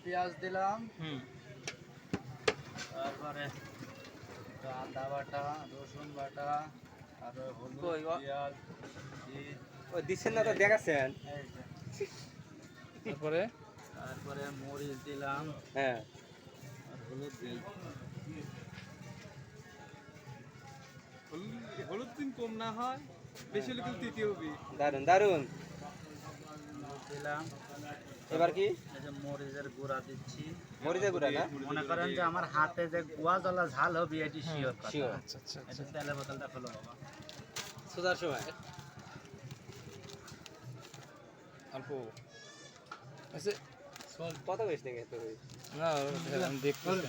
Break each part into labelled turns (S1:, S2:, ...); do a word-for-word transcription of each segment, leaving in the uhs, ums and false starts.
S1: পেঁয়াজ দিলাম,
S2: হুম
S1: তারপরে আদা বাটা, রসুন বাটা, আর হলুদ,
S2: কই ও
S1: পেঁয়াজ দিয়ে
S2: ও দিছেন না তো দেখাছেন।
S1: এই যে,
S2: তারপরে
S1: তারপরে মরিচ দিলাম
S2: হ্যাঁ
S1: আর হলুদ দিই।
S3: হলুদ দিন কম না হয়, বেশি হলে কিন্তু তৃতীয় হবে।
S2: দারুন দারুন।
S1: হলুদ দিলাম,
S2: এবার কি
S1: এই যে মরিচের গুঁড়া দিচ্ছি।
S2: মরিচের গুঁড়া না?
S1: মনে করেন যে আমার হাতে যে গুয়া জ্বলা ঝাল হবে এটি শিওর কথা।
S2: শিওর।
S3: আচ্ছা আচ্ছা
S1: এটা তেলের বোতলটা খোলো বাবা।
S2: সুদার সময়
S3: অল্প আচ্ছা
S2: কত বেশ থেকে তো
S3: না আমি দেখতেছি।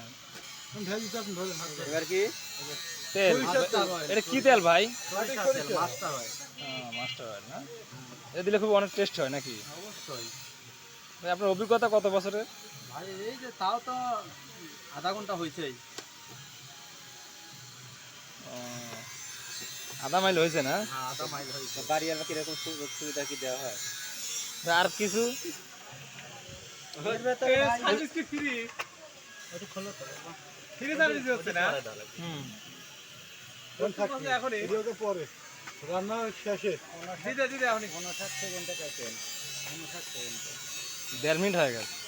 S2: এবার কি
S3: তেল এটা কি তেল ভাই?
S1: সরিষার তেল, মাস্টার হয়।
S3: মাস্টার অয়েল না? এটা দিলে খুব অনেক টেস্ট হয় নাকি
S1: অবশ্যই
S3: ভাই? আপনার অভিজ্ঞতা কত বছরের?
S1: ভাই, এই যে তাও তো আধা ঘন্টা হয়েছেই।
S3: ও, আধা মাইল হয়েছে না?
S1: হ্যাঁ, আধা মাইল হয়েছে।
S2: বাড়ি আর কিরকম সুযোগ সুবিধা কি দেওয়া হয়?
S3: আর কিছু
S1: এর ভেতরে ভাই
S3: সার্ভিস কি ফ্রি?
S1: একটু খোলো তো বাবা।
S3: ফ্রি সার্ভিস হচ্ছে না?
S1: পরে ডালো।
S3: হুম
S4: এখন পরে রান্না শেষে
S3: দিদা দিদা এখন
S1: ঊনষাট সেকেন্ডে কাটেন, ঊনষাট সেকেন্ডে।
S3: দেড় মিনিট হয়ে গেছে।